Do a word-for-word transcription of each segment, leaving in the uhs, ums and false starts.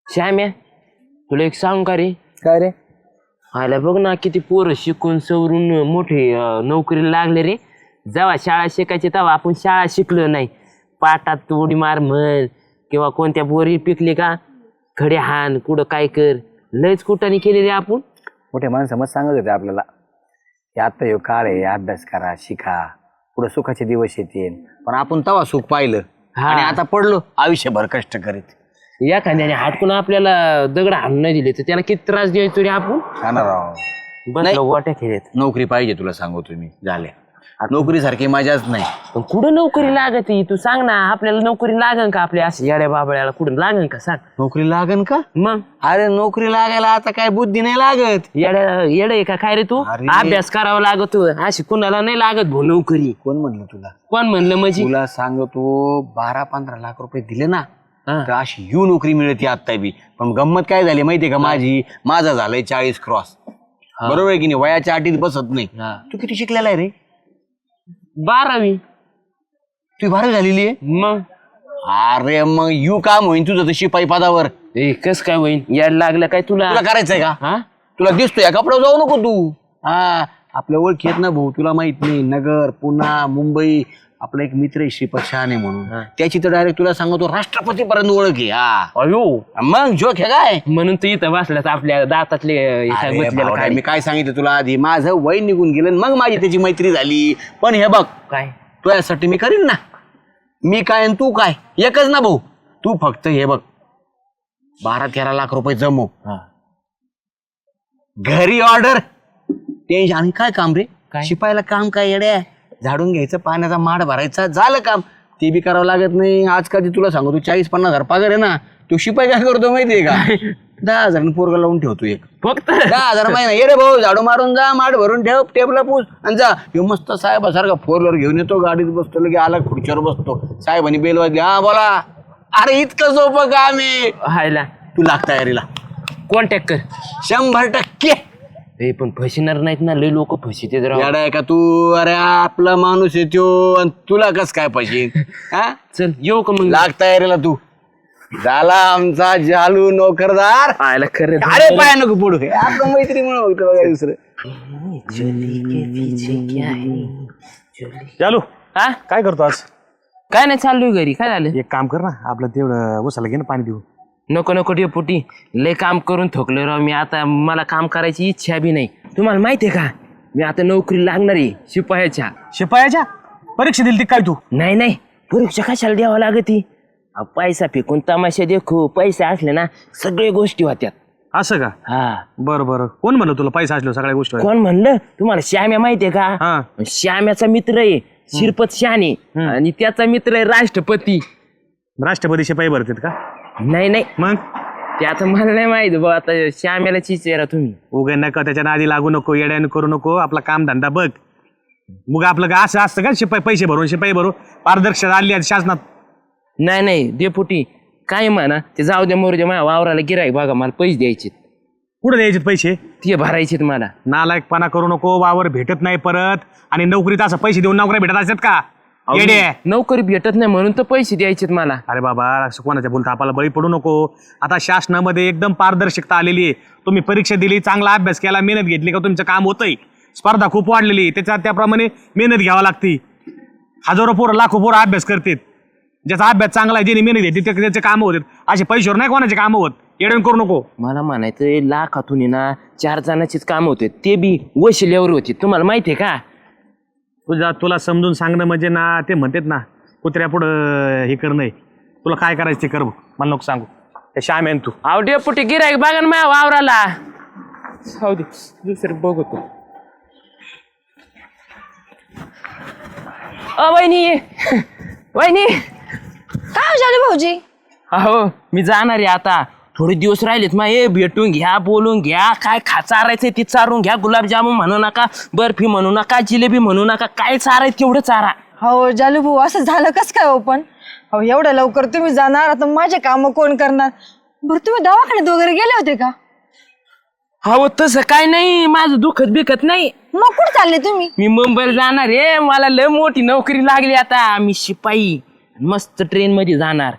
श्याम्या तुला एक सांग का रे? काय रे? आला बघ ना किती पोरं शिकून सवरून मोठे अं, नोकरीला लागले रे. जेव्हा शाळा शिकायची तेव्हा आपण शाळा शिकलो नाही. पाटात उडी मार म्हण किंवा कोणत्या बोरी पिकली का खडे हान कुठं काय कर लयच कुठाने केले रे आपण. मोठे माणसं मग सांगत होते आपल्याला की आता यो काळ आहे, अभ्यास करा, शिका, पुढे सुखाचे दिवस येतील. पण आपण तवा सुख पाहिलं हा. आणि आता पडलो आयुष्यभर कष्ट करीत. एखाद्याने हाटकून आपल्याला दगड हाणून नाही दिले तर त्याला किती त्रास द्यायचो रे आपण. बस गोट्या खेळत. नोकरी पाहिजे तुला सांगू तुम्ही झाले. नोकरी सारखी मजाच नाही. पण कुठं नोकरी लागत ही? तू सांग ना आपल्याला नोकरी लागन का? आपल्या असं येड्या बाबळ्याला कुठं लागन का सांग? नोकरी लागन का? मग अरे नोकरी लागायला आता काय बुद्धी नाही लागत. येड्या येड आहे का काय रे तू? अरे. अभ्यास करावा लागतो अशी कुणाला नाही लागत भाऊ नोकरी. कोण म्हणलं तुला? कोण म्हणलं म्हणजे? तुला सांगतो बारा पंधरा लाख रुपये दिले ना हा. तर अशी यू नोकरी मिळते आता बी. पण गंमत काय झाली माहितीये का माझी? माझा झालंय चाळीस क्रॉस. बरोबर आहे की नाही? वयाच्या अटीत बसत नाही. तू किती शिकलेला आहे रे? बारावी. तू बारावी झालेली आहे? मग अरे मग यू काम होईन तुझं तर शिपाई पदावर. ए कस काय होईन? याड लागलं काय तुला? तुला करायचंय का? हा तुला दिसतोय या कपड्यावर जाऊ नको तू. हा आपल्या ओळखी आहेत ना भाऊ, तुला माहित नाही. नगर, पुणा, मुंबई. आपला एक मित्र आहे श्रीपद शहाणे म्हणून, त्याची तर डायरेक्ट तुला सांगतो राष्ट्रपती पर्यंत ओळख आहे. हा अयो मग जोक आहे काय? म्हणून तू इथं बसलास आपल्या दातातले एका अरे गुंतलेलं भावड्या, काय? मी काय सांगितलं तुला आधी? माझं वय निघून गेलं आणि मग माझी त्याची मैत्री झाली. पण हे बघ काय तुझ्यासाठी मी करीन ना. मी काय आणि तू काय एकच ना भाऊ. तू फक्त हे बघ बारा तेरा लाख रुपये जमव, घरी ऑर्डर, टेन्शन. आणि काय काम रे? काय? शिपायला काम काय येड्या? झाडून घ्यायचं, पाण्याचा माड भरायचा, झालं काम. ते बी करावं लागत नाही. आजकाल तुला सांगू तू चाळीस पन्नास हजार पगार आहे ना. तो शिपाई काय करतो माहितीये का? दहा हजार पोरगा लावून ठेवतो एक. फक्त दहा हजार महिना. ये रे भाऊ झाडू मारून जा, माठ भरून ठेव, टेबला पूस आणि जा. ह्यो मस्त साहेबासारखा फोर व्हीलर घेऊन येतो, गाडीत बसतो, लगे आला खुर्चीवर बसतो. साहेबांनी बेल वाजली, हा बोला. अरे इतकं सोपं काम आहे. हायला तू लाग तयारीला. कॉन्टॅक्ट कर. शंभर टक्के. ए पण फसणार नाहीत ना? लय लोक फसिते जरा. येडा आहे का तू? अरे आपला माणूस येतो आणि तुला कस काय पाहिजे? हा चल येऊ का मग? लाग तयारीला तू. झाला आमचा जालू नोकरदार. आयला खरं अरे पाय नको पुढे. आपलं मैत्रीमुळे बघतो बघा दुसरं. चालू हा काय करतो आज? काय नाही चाललोय घरी. काय झालं? एक काम कर ना, आपलं तेवढं उसाला घे ना पाणी देऊ. नको नको डेपुटी, लय काम करून थकलोय राव मी. आता मला काम करायची इच्छा बी नाही. तुम्हाला माहितीये का मी आता नोकरी लागणार आहे शिपायाच्या. शिपायाच्या परीक्षा दिली ती काय तू? नाही नाही परीक्षा कशाला द्यावं लागती? अहो, पैसा फेकून तमाशा देखू. पैसे असले ना सगळे गोष्टी होत्यात. असं का? हा बरं बरं. कोण म्हणलं तुला पैसा असलो सगळ्या गोष्टी? कोण म्हणलं तुम्हाला? श्याम्या माहितीये का? हा. श्याम्याचा मित्र आहे शिरपत शहाणे आणि त्याचा मित्र आहे राष्ट्रपती. राष्ट्रपती शिपाई भरतात का? नाही नाही मग ते आता मला नाही माहित बा. आता श्याम्याला चिचेरा तुम्ही. उगे नका त्याच्या नादी लागू नको, येड्यानं करू नको. आपला काम धंदा बघ. मग आपलं का असं असतं का शिपाई पैसे भरून शिपाई भरू? पारदर्शकता आली आहे शासनात. नाही नाही डेपुटी काय म्हणा ते जाऊ द्या मोरू द्या. माझ्या वावराला गिराईक बघा मला पैसे द्यायचे. कुठं द्यायचे पैसे? ते भरायचे मला. नालायकपणा करू नको. वावर भेटत नाही परत आणि नोकरीत असं पैसे देऊन नोकऱ्या भेटत असतात का? येडे. नोकरी भेटत नाही म्हणून तर पैसे द्यायचे मला. अरे बाबा असं कोणाच्या बोलता आपल्याला बळी पडू नको. आता शासनामध्ये एकदम पारदर्शकता आलेली आहे. तुम्ही परीक्षा दिली, चांगला अभ्यास केला, मेहनत घेतली का तुमचं काम होतंय. स्पर्धा खूप वाढलेली आहे, त्याच्यात त्याप्रमाणे मेहनत घ्यावी लागते. हजारो पोरं लाखो पोरं अभ्यास करतात. ज्याचा अभ्यास चांगला आहे, ज्याने मेहनत घेतली ते त्याचे कामं होतात. असे पैशावर नाही कोणाचे कामं होत. येडण करू नको. मला म्हणायचं लाखातून आहे ना चार जणांचीच काम होते, ते बी वशिल्यावर होते. तुम्हाला माहितीये का? तुझा तुला समजून सांगणं म्हणजे ना ते म्हणतात ना कुत्र्या पुढं हे करणं. तुला काय करायचं ते कर बघ, मला नको सांगू. ते श्याम आहे तू. अहो डेपुटी गिराईक बघा ना माझ्या वावराला. जाऊ दे दुसरं बघतो. अ वहिनी वहिनी. काय झालं भाऊजी? अहो मी जाणार आहे आता. थोडे दिवस राहिलेत मा. हे भेटून घ्या, बोलून घ्या, काय खा चारायचंय ते चारून घ्या. गुलाबजामुन म्हणू नका, बर्फी म्हणू नका, जिलेबी म्हणू नका, काय चारायचं तेवढं चारा. हो जालू भाऊ असं झालं कस काय हो? पण हो एवढ्या लवकर तुम्ही जाणार, आता माझे काम कोण करणार? बरं तुम्ही दवाखान्यात वगैरे गेले होते का? हो तसं काय नाही, माझं दुखत बिकत नाही. मग कुठे चालले तुम्ही? मी मुंबईला जाणार आहे. मला लय मोठी नोकरी लागली आता. मी शिपाई, मस्त ट्रेन मध्ये जाणार. काय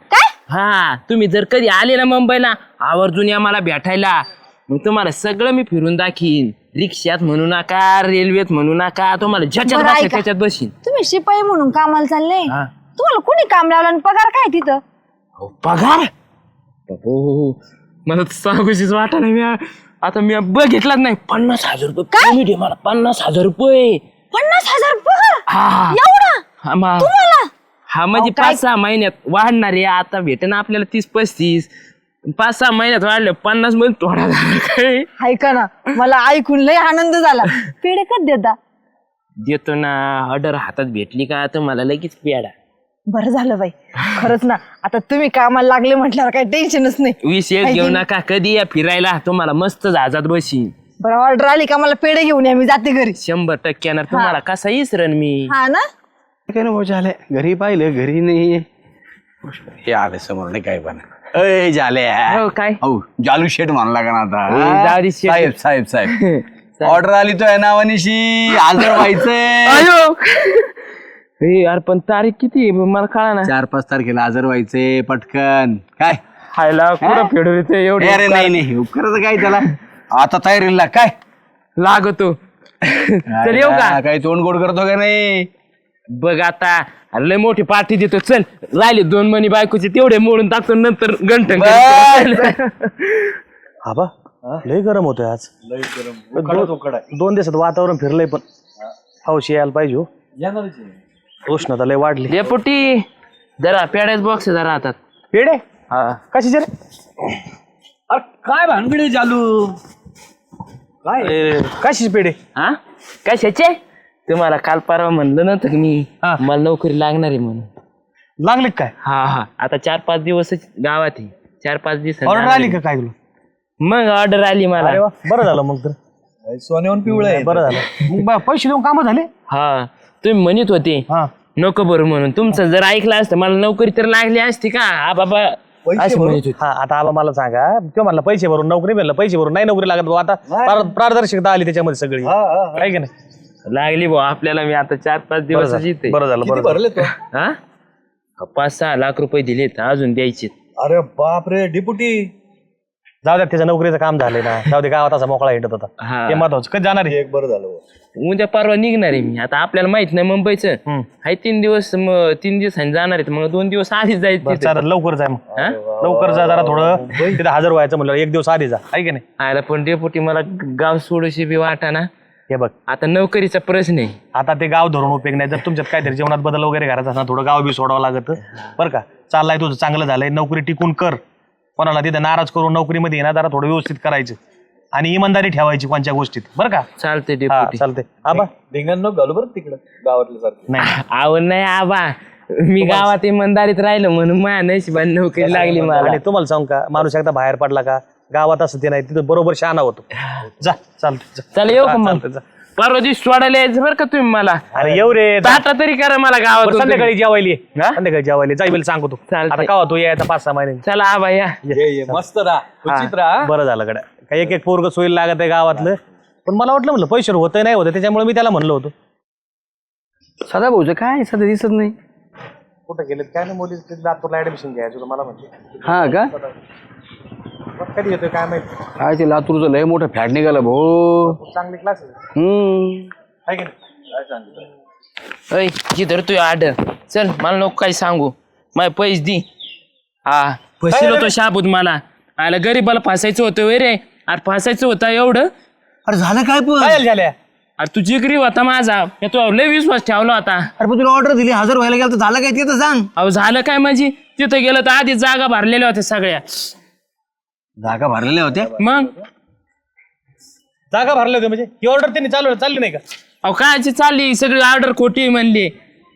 हा तुम्ही जर कधी आले ना मुंबईला आवर्जून या मला भेटायला, मग तुम्हाला सगळं मी फिरून दाखीन. रिक्षात म्हणू नका, रेल्वेत म्हणू नका, तुम्हाला ज्याच्यात बरं, बसायचं ऐका. त्याच्यात बसीन. तुम्ही शिपाई म्हणून कामाला चालले, हा. तुम्हाला कोणी काम लावलं आणि पगार काय तिथं? अहो, पगार बाबो, मला तर सांगूशीच वाटा नाही. मी आता मी बघितलाच नाही. पन्नास हजार रुपये पेमेंट आहे मला, पन्नास हजार रुपये. पन्नास हजार पगार? हा एवढा हा मा- तुम्हाला? हा म्हणजे अहो, काय- पाच सहा महिन्यात वाढणार आहे. आता भेटे ना आपल्याला तीस पस्तीस, पाच सहा महिन्यात वाढले पन्नास मध्ये थोडा झाला काय. ऐका ना, मला ऐकून लय आनंद झाला. पेढे कधी देता? देतो ना, ऑर्डर हातात भेटली का तर मला लगेच पेडा. बरं झालं बाई, खरंच ना. आता तुम्ही कामाला लागले म्हटल्यावर काही टेन्शनच नाही. वीस एक घेऊ नका, कधी या फिरायला तुम्हाला मस्त जहाजात बसीन. बरं, ऑर्डर आली का मला पेढे घेऊन या, मी जाते घरी. शंभर टक्क्यानं तुम्हाला कसा इसरण मी. हा ना? काय ना भाऊ झाले, घरी पाहिलं घरी नाही. हे आले समोर नाही काय पण. अय झाले हो काय हो जालू शेठ म्हणला का ना आता? ए, जालू शेठ. साहेब साहेब साहेब ऑर्डर आली तो आहे नावानिशी हजर व्हायचंय. अयो ए, यार पण तारीख किती आहे मला कळा ना. चार पाच तारखेला हजर व्हायचंय पटकन. काय खायला कुठं फेडवते एवढे अरे नाही नाही उपकरच काय त्याला आता तयारीला काय लागतो. चल येऊ का? काही तोंड गोड करतो का नाही? बघ आता अरे लय मोठी पार्टी देतो. चल राहिले दोन मनी बायकोचे तेवढे मोडून टाकतो, नंतर गंठन आबा लय गरम होतोय आज. दोन- दोन दिवसात वातावरण फिरलंय पण पाऊस यायला पाहिजे हो. उष्णता लय वाढली. डेपुटी जरा पेड्याच बॉक्स जरा हातात. पेढे हा कशाचे रे? अरे काय भानगडी चालू काय कशाचे पेढे? हा कशाचे? तुम्हाला काल परवा म्हणलं नव्हतं की मी हा. मला नोकरी लागणार आहे म्हणून. लागले काय? हा हा आता चार पाच दिवस गावात आहे. चार पाच दिवस ऑर्डर आली का काय तुला? मग ऑर्डर आली मला. अरे वा बरं झालं मग तर. सोन्याहून पिवळं बरं झालं. मग बा- पैसे देऊन कामं झाले. हा तुम्ही म्हणत होते हा नको बरं म्हणून. तुमचं जर ऐकलं असतं मला नोकरी तर लागली असती का? हा बाबा असं म्हणत होते. हा आता आबा मला सांगा, तो म्हणला पैसे भरून नोकरी मिळालं, पैसे भरून नाही नोकरी लागत भाऊ. आता पार- पारदर्शकता आली त्याच्यामध्ये सगळी आहे की नाही? लागली भाऊ आपल्याला. मी आता चार पाच बरं दिवस झालं येते. बरं झालं बरं झालं. हा पाच सहा लाख रुपये दिलेत, अजून द्यायचे. अरे बाप रे डिपुटी. जाऊ द्या, त्याच्या नोकरीचं काम झालंय ना. जाऊ दे, गावात असा मोकळा हिंडत होता. हा. ते महत्वाचं. कधी जाणार आहे? एक बरं झालं. उद्या परवा निघणार आहे मी. आता आपल्याला माहित नाही मुंबईचं. हम्म. हाय तीन दिवस, मग तीन दिवसांनी जाणार आहेत. मग दोन दिवस आधीच जायचं बरं, तिथं. चालेल, लवकर जाय मग. हा? लवकर जा जरा, थोडं तिथे हजर व्हायचं म्हणलं एक दिवस आधी जा, आहे की नाही? आयला पण डेपुटी मला गाव सोडूशी बी वाटा ना. हे बघ आता नोकरीचा प्रश्न आहे. आता ते गाव धरून उपयोग नाही. जर तुमच्यात काहीतरी जीवनात बदल वगैरे करायचा असणार, थोडं गाव बी सोडावं लागतं बरं का. चाललाय तुझं चांगलं झालंय, नोकरी टिकून कर. कोणाला तिथे नाराज करून नोकरीमध्ये येणार, जरा थोडं व्यवस्थित करायचं आणि इमानदारी ठेवायची कोणत्या गोष्टीत बरं का. चालते हा डेपुटी. चालतंय. आबा धिंगाण नको घालू बरं तिकडं गावातल्या सारखं. नाही आवड नाही आबा, मी गावात इमानदारीत राहिलो म्हणून माझ्या नशिबाने नोकरी लागली मला. आणि तुम्हाला सांग का, माणूस एकदा बाहेर पडला का गावात असं ते नाही, तिथं बरोबर शहाणा होतो. जा चालतंय जा. चला येऊ का हा, मग? चालतंय, जा. परवा दिवशी सोडायला यायचं बरं का तुम्ही मला. अरे येऊ रे. टाटा तरी करा मला बरं, गावात. संध्याकाळी जेवायली ये. हा? संध्याकाळी जेवायली जाईल सांगतो तू. चालतंय. आता का तू यायचा पाच सहा महिने. चला आबा या. मस्त राहा उचित राहा. बरं झालं कडे. काही एक एक पोरग सोयीला लागत आहे गावातलं. पण मला वाटलं म्हणलं पैसे होतं नाही होतं, त्याच्यामुळे मी त्याला म्हणलं होतं. सदा भाऊचं काय सध्या दिसत नाही. कुठं गेले काय नाही, मुली लातूरला ऍडमिशन घ्यायचं मला म्हणजे. हा का कधी येतोय काय माहिती. काय ते लातूरचं लय मोठं फॅट निघालं भाऊ. चांगली क्लास हम्म आहे की नाही? अय जिधर तू ऑर्डर. चल मला नको काही सांगू, माझे पैसे दे. हा फसिल होतो शाबूत मला. आला गरीबाला फासायचं होतं वय रे. अरे फासायचं होतं एवढं. अरे झालं काय पण? काय झाल्या? अरे तू जिगरी होता माझा, मी तू लय विश्वास ठेवला होता. अरे पण तुला ऑर्डर दिली हजर व्हायला गेलं तर झालं काय ते तर सांग. अहो झालं काय माझी? तिथं गेलं तर आधी जागा भरलेल्या होत्या सगळ्या. जागा भरलेल्या होत्या. मग जागा भरले होते म्हणजे ही ऑर्डर त्यांनी चालू चालली नाही का? अहो कायची चालली सगळी ऑर्डर खोटी म्हणली.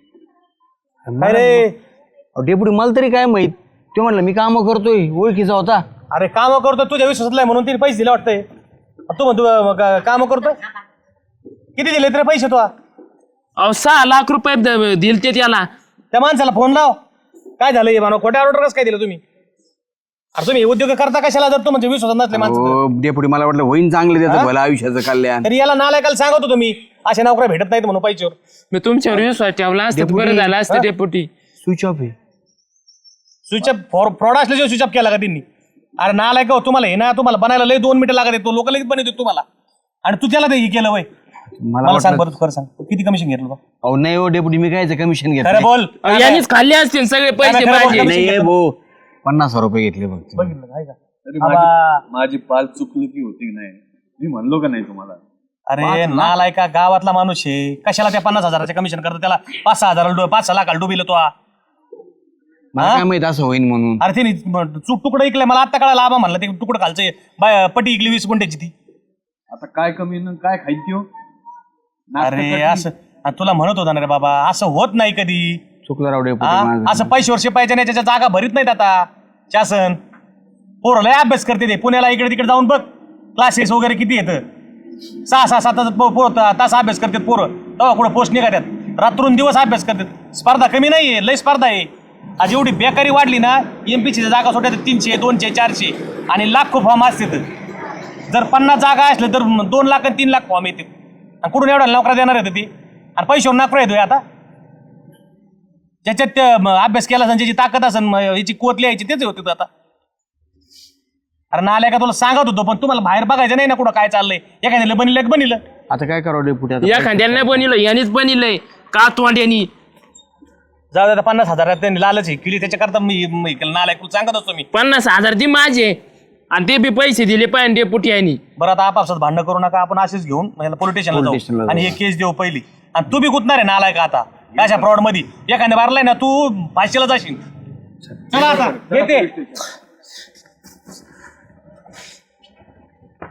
अरे डेपुटी मला तरी काय माहित. ते म्हणलं मी काम करतोय, ओळखीचा होता. अरे काम करतो तुझ्या विश्वासातला म्हणून तिने पैसे दिले वाटतंय. तू म्हणतो काम करतो. किती दिले तरी पैसे तो? अहो सहा लाख रुपये द- दिलते त्याला. त्या माणसाला फोन लाव. काय झालं हे मानव, खोट्या ऑर्डर कसं काय दिलं तुम्ही? अरे तुम्ही उद्योग करता कशाला जर तू म्हणजे विश्वासात नसले माणसं? हो, डेपुटी मला वाटलं होईन चांगलं त्याचं भलं आयुष्याचं कल्याण. तरी याला नालायकाला सांगत होतो मी, अशा नोकऱ्या भेटत नाहीत म्हणून पैशावर. मी तुमच्यावर विश्वास ठेवला असतं तर बरं झालं असतं डेपुटी. स्विच ऑफ आहे. स्विच ऑफ फ्रॉड असल्याशिवाय स्विच ऑफ केला का त्यांनी? अरे नालाय का तुम्हाला हे ना तुम्हाला बनायला लय दोन मिनिटं लागत तो लोक लगेच बनवतो तुम्हाला आणि तू त्याला ते हे केलं वय. मला सांग बरं, खरं सांग किती कमिशन घेतलं बा? अहो नाही हो डेप्युटी, मी कायचं कमिशन घेतलं? खरं बोल. यांनीच खाल्ले असतील सगळे पैसे माझे. नाही भाऊ, पन्नास रुपये घेतले फक्त. बघितलं आहे का? तरी माझी माझी पाल चुकली की होती की नाही, मी म्हणलो का नाही तुम्हाला? अरे नालाय का गावातला माणूस आहे, कशाला त्या पन्नास हजाराचे कमिशन करतो त्याला? पाच सहा हजार पाच सहा लाखाला डुबिल तो. मला काय माहित असं होईन म्हणून. अरे ते चूक तुकडं ऐकलंय मला आता कळायला आबा म्हणलं ते तुकडं खालचं बाय पटी ऐकली वीस गुंठ्याची ती. आता काय कमी न काय खायची हो? अरे असं आणि तुला म्हणत होता ना रे बाबा, असं होत नाही कधी. चुकलं राव डेप्युटी हा? माझं. असं पैसे वर्ष पाहिजे नाही त्याच्या जागा भरीत नाहीत आता शासन. पोरं लय अभ्यास करते ते, पुण्याला इकडे तिकडे जाऊन बघ क्लासेस वगैरे किती येतं. सहा सहा सात तास तास अभ्यास करतात पोरं, तेव्हा कुठं पोस्ट निघातात, रात्रून दिवस अभ्यास करतात. स्पर्धा कमी नाहीये, लय स्पर्धा आहे. आज एवढी बेकारी वाढली ना, एमपीसीच्या जागा सोडतात तीनशे दोनशे चारशे आणि लाखो फॉर्म असतात. जर पन्नास जागा असल्या तर दोन लाख आणि तीन लाख फॉर्म येते. आणि कुठून एवढ्या नोकऱ्या देणार आहेत ती? आणि पैशावर नोकऱ्या येतोय आता. ज्याच्यात ते अभ्यास केला असेल, ज्याची ताकद असेल, याची कोत लिहायची तेच होते आता. अरे नाल्या का तुला सांगत होतो, पण तुम्हाला बाहेर बघायचं नाही ना कुठं काय चाललंय. एखाद्याला बनिलं बनिलं. आता काय करावं डेप्युटी? आता एखाद्याला नाही बनवलं, यांनीच बनवलंय का तोंड्यानी. जाऊ द्या पन्नास हजारात त्यांनी लालच हे केली, त्याच्याकरता मी नालायक तुला सांगत असतो मी. पन्नास हजार ती माझे आणि ते बी पैसे दिले पाहिजे डेपुटी यांनी. बरं आता आपापसात भांडणं करू नका, आपण असेच घेऊन पोलीस स्टेशनला स्टेशनला जाऊ आणि हे केस देऊ पहिली. आणि तू बी गुतणार आहे नालाय का आता अशा फ्रॉड मध्ये? एखाद्या मारलाय ना तू फाशीला जाशील. चला आता येते.